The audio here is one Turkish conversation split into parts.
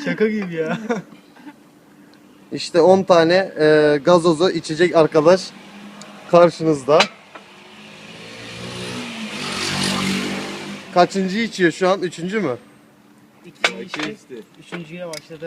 Şaka gibi ya. İşte 10 tane gazozu içecek arkadaş karşınızda. Kaçıncı içiyor şu an? Üçüncü mü? İkinci üçüncüye başladı.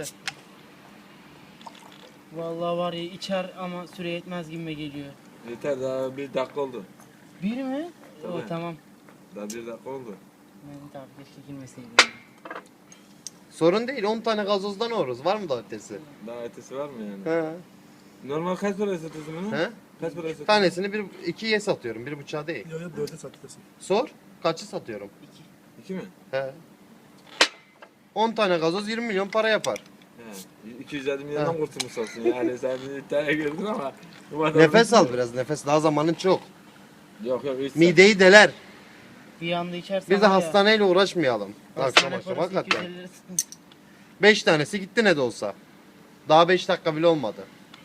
Vallahi var ya içer ama süre yetmez gibime geliyor. Yeter daha 1 dakika oldu. Bir mi? O Tabii. tamam. Daha 1 dakika oldu. Mehmet abi keşke girmeseydim. Sorun değil, 10 tane gazozdan oluruz. Var mı da ötesi? Daha ötesi var mı yani? He. Normal kaç para satıyorsun bunu? He? Kaç para satıyorsun? Tanesini 2'ye satıyorum, 1,5'a değil. Yok yok 4'e satıyorsun. Sor, kaçı satıyorum? 2 mi? He. 10 tane gazoz 20 milyon para yapar. He. 250 milyondan kurtulmuş olsun yani sen bir iddiaya girdin ama. Nefes al biraz, nefes. Daha zamanın çok. Yok yok hiç. Mideyi deler. Bir anda içersen Bir de var ya, hastaneyle uğraşmayalım. Akşam hastane akşam parası hakikaten. 250 lira sıkıntı. 5 tanesi gitti ne de olsa. Daha 5 dakika bile olmadı.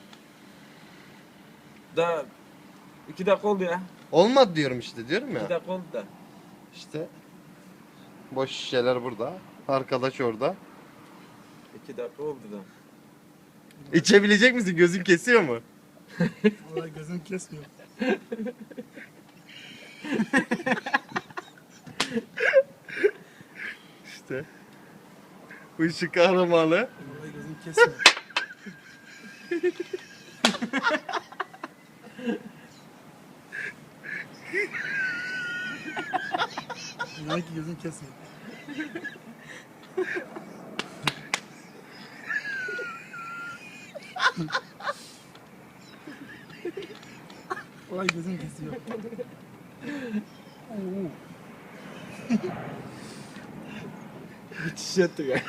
Daha 2 dakika oldu ya. Olmadı diyorum işte, diyorum 2 ya. dakika oldu da. İşte boş şişeler burada. Arkadaş orada. 2 dakika oldu da. İçebilecek misin? Gözün kesiyor mu? Vallahi gözüm kesmiyor. İşte. Bu işin kahramanı. Vallahi gözüm kesmiyor. İnan ki gözüm kesmiyor. Vallahi gözüm kesiyor. Oo. Müthiş etti ya.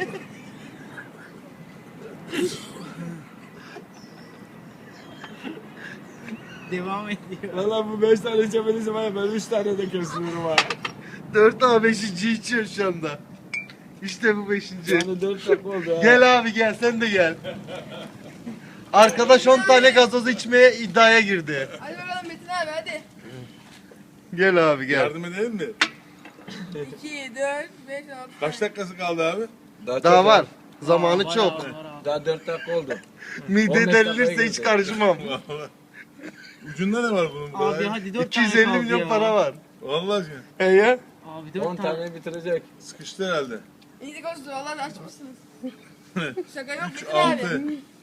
Devam ediyor. Valla bu 5 tane içemediyse ben 3 tane de kesmiyorum ha. 4 A 5. içiyor şu anda. İşte bu 5. Yani 4 dakika oldu ha. Gel abi gel, sen de gel. Arkadaş 10 tane gazoz içmeye iddiaya girdi. Hadi bakalım Metin abi hadi. Gel abi gel. Yardım edelim mi? 2, 4, 5, 6. Kaç dakikası kaldı abi? Daha, Daha çok var. ya. Zamanı Bayağı çok. var abi. Daha 4 dakika oldu. 15 Mide dakikaya derilirse hiç girdi. karışmam. Vallahi. Ucunda ne var bunun? Abi Abi, hadi 4 tane 250 kaldı milyon ya. para var. Vallahi He ya? Abi 4 10 tane. tane bitirecek. sıkıştı herhalde. İyilik olsun valla da açmışsınız. Şaka yok 3, Metin abi. 6.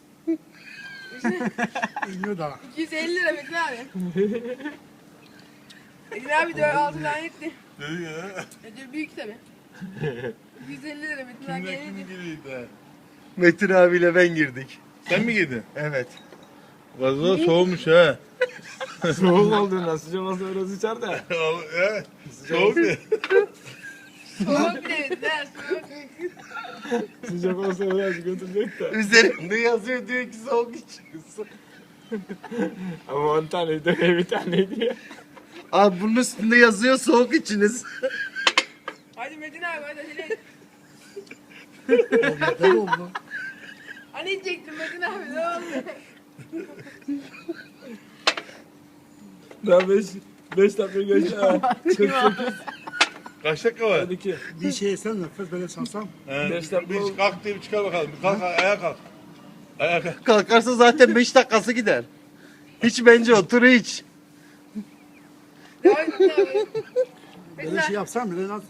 İniyor daha. 250 lira Metin abi. Metin abi 4, 6 tane etti. Dedi ya. Ödül büyük tabi. 250 lira Metin abi Kimden kim yenildi. geliyordu? Metin abiyle ben girdik. Sen mi giydin? Evet. Gazoz soğumuş ha. Soğuk olduğundan sıcak olsa biraz içer de. He? Soğuk ya. Soğuk bir de Metin abi soğuk. Sıcak olsa biraz götürecek de. Üzerinde yazıyor, diyor ki soğuk içiyorsun. Ama 10 taneydi bir taneydi ya. Abi bunun üstünde yazıyor soğuk içiniz. Hadi Metin abi hadi acele et. Yeter oldu. Hani içecektin Metin abi ne oldu? Daha 5 dakika geçti ha. 48. Kaç dakika var? 12. Bir şey yesen nefes böyle çalsam. He. Beş dakika Bir oldu. kalk diye bir çıkar bakalım. Bir kalk ayağa kalk. Ayağa kalk. Kalkarsa zaten 5 dakikası gider. Hiç bence otur hiç. Devam et Metin abi. Metin Böyle şey abi. yapsam bile nasıl?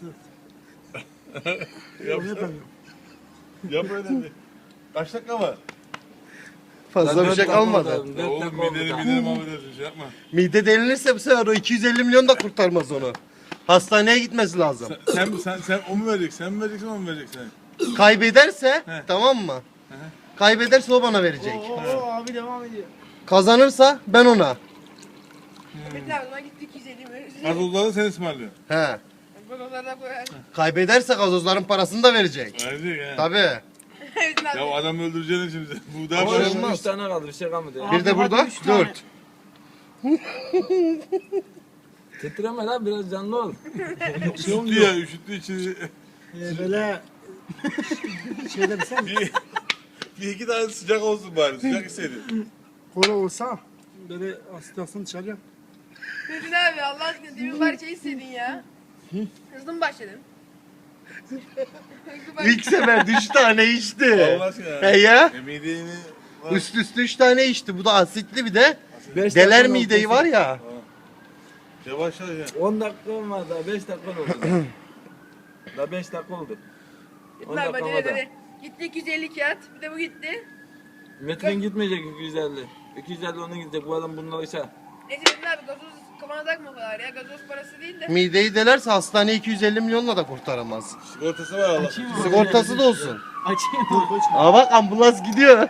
Yap, Onu yapamıyorum. yap öyle bir. Kaç dakika var? Fazla bir şey kalmadı. Ya oğlum mideni mahvedersin şey yapma. Mide delinirse bu sefer o 250 milyon da kurtarmaz onu. Hastaneye gitmesi lazım. Sen o mu verecek? Sen mi vereceksin o mu vereceksin? Kaybederse He. tamam mı? Kaybederse o bana verecek. Oo abi devam ediyor. Kazanırsa ben ona. Metin abi o zaman gitti 250 lira. Gazozları sen ısmarlıyorsun. He. Bak onlardan koyar. Kaybederse gazozların parasını da verecek. Verecek he. Tabii. Metin abi. Ya adam öldüreceksin şimdi. Bu daha Ama bir şey olmaz. 3 tane kaldı bir şey kalmadı ya. Abi Bir de hadi burada üç tane. 4. Titreme lan biraz canlı ol. üşüttü ya üşüttü içini. Böyle şeyler sen Bir iki tane sıcak olsun bari. Sıcak hissedin. kola olsa böyle asitasyon dışarıya. Metin abi Allah aşkına demin bari şey istedin ya. Hızlı mı başladın? İlk sefer 3 tane içti. Allah aşkına. He ya. Mideğini... Üst üste 3 tane içti. Bu da asitli bir de. Beş Deler dakika mideyi oldu. var ya. Yavaş ya. 10 dakikam var daha 5 dakika oldu. Daha 5 dakika oldu. 10 Metin abi dakika hadi var. hadi. Gitti 250 kağıt. Bir de bu gitti. Metin gitmeyecek 250. 250 onun gidecek. Bu adam bununla işe. Neyse Metin abi gazoz kafana takma o kadar ya. Gazoz parası değil de. Mideyi delerse hastane 250 milyonla da kurtaramaz. Sigortası var Allah. Açayım mı? Sigortası da olsun. Açayım mı? Aa bak ambulans gidiyor.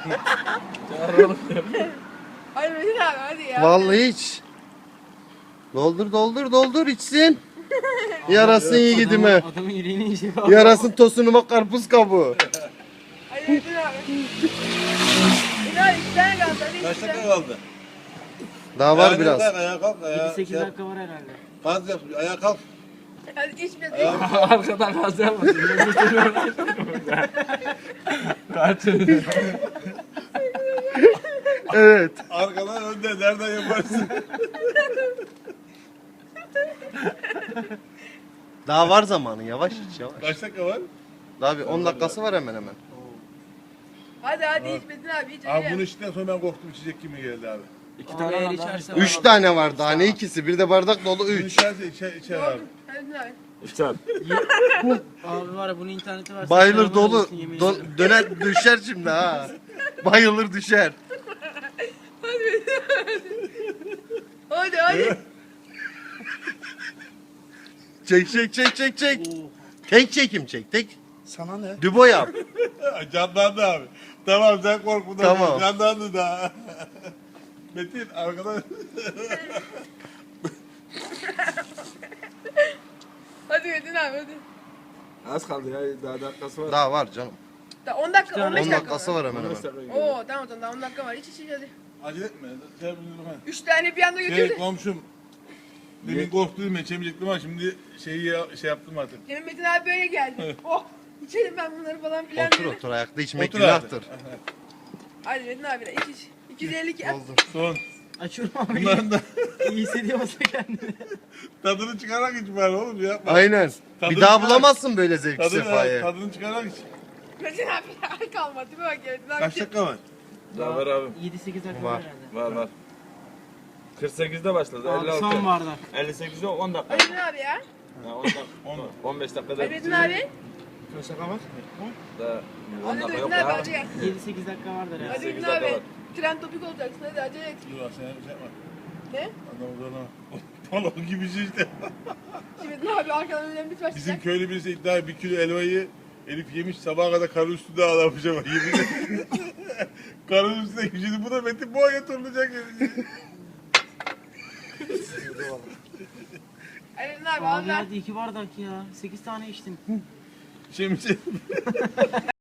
Hadi Metin abi hadi ya. Vallahi hiç. Doldur doldur doldur içsin. Yarasın iyi gidime. Adamın yüreğine işi var. Yarasın tosunu bak karpuz kabuğu. Hadi Metin abi. Metin abi 2 tane kaldı. Hadi Kaç 2 dakika tane. kaldı? Daha var Ayağa biraz. kalk, ayağa kalk. Ayağa 7-8 yap. dakika var herhalde. Gaz yap. Ayağa kalk. Hadi iç Metin. Arkadan gaz yapmasın. Kaç. Evet. Arkadan önde. Nereden yaparsın? Daha var zamanı yavaş iç yavaş. Kaç dakika var? Daha bir 10 dakikası var hemen hemen. Hadi hadi iç Metin abi iç. Abi hadi. bunu içtikten sonra ben korktum içecek gibi geldi abi. 2 Abi tane eğer var. içersen- 3 tane var daha ne ikisi? Bir de bardak dolu Bunu 3. içerse içer abi. Hadi Metin abi. İftar. Abi var ya bunun interneti var. Bayılır dolu. Döner düşer şimdi ha. Bayılır düşer. Hadi hadi. Çek çek çek çek çek. Tek çekim çek tek. Sana ne? Dübo yap. Canlandı abi. Tamam sen korkma. Tamam. Canlandı da. Metin arkadan. Hadi Metin abi hadi. Az kaldı ya. Daha dakikası var. Daha var canım. Daha 10 dakika 15 10 dakika dakikası var hemen 15 hemen. dakika gidiyor. Oo tamam tamam daha 10 dakika var. İç iç iç hadi. Acele etme. Şey yapayım, 3 tane bir anda götürdü. komşum. Demin korktuydum ben içemeyecektim ama şimdi şey yaptım artık. Demin Metin abi böyle geldi. Oh içelim ben bunları falan filan Otur dedi. otur ayakta içmek Otur abi. günahtır. Hadi Metin abi de iç iç. 250 kağıt. Son. Açıyorum abi. Bunların da İyi hissediyor musun kendini? tadını çıkararak iç bari oğlum yapma. Aynen. Bir Tadını daha çıkar. bulamazsın böyle zevki sefayı. Tadını çıkararak iç. Metin abi ya kalmadı. Bir bak ya Metin abi. Kaç dakika var? Daha var abi. 7-8 dakika Var. var herhalde. Var var. 48'de başladı. Abi 56. son bardak. 58'de 10 dakika. Hadi Metin abi ya. Ha, 10 dakika. 15 dakikada. Hadi Metin abi. Kaç dakika var? Daha 10 Hadi dakika yok Metin abi ya. hadi gel. 7-8 dakika vardır herhalde. Hadi 8 Metin dakika abi. var. Tren topik olacaksın hadi acele et. Dur bak sen şey yapma. Ne? Adam uzana. Balon gibi şey işte. Şimdi Metin abi arkadan önemli bir başlayacak. Bizim köylü birisi iddia 1 kilo elmayı Elif yemiş sabaha kadar karın üstünde ağlamış ama yemin karın üstünde şimdi bu da Metin boğaya turlayacak. Hadi Metin abi Abi al ver. hadi 2 bardak ya. 8 tane içtin. Şimdi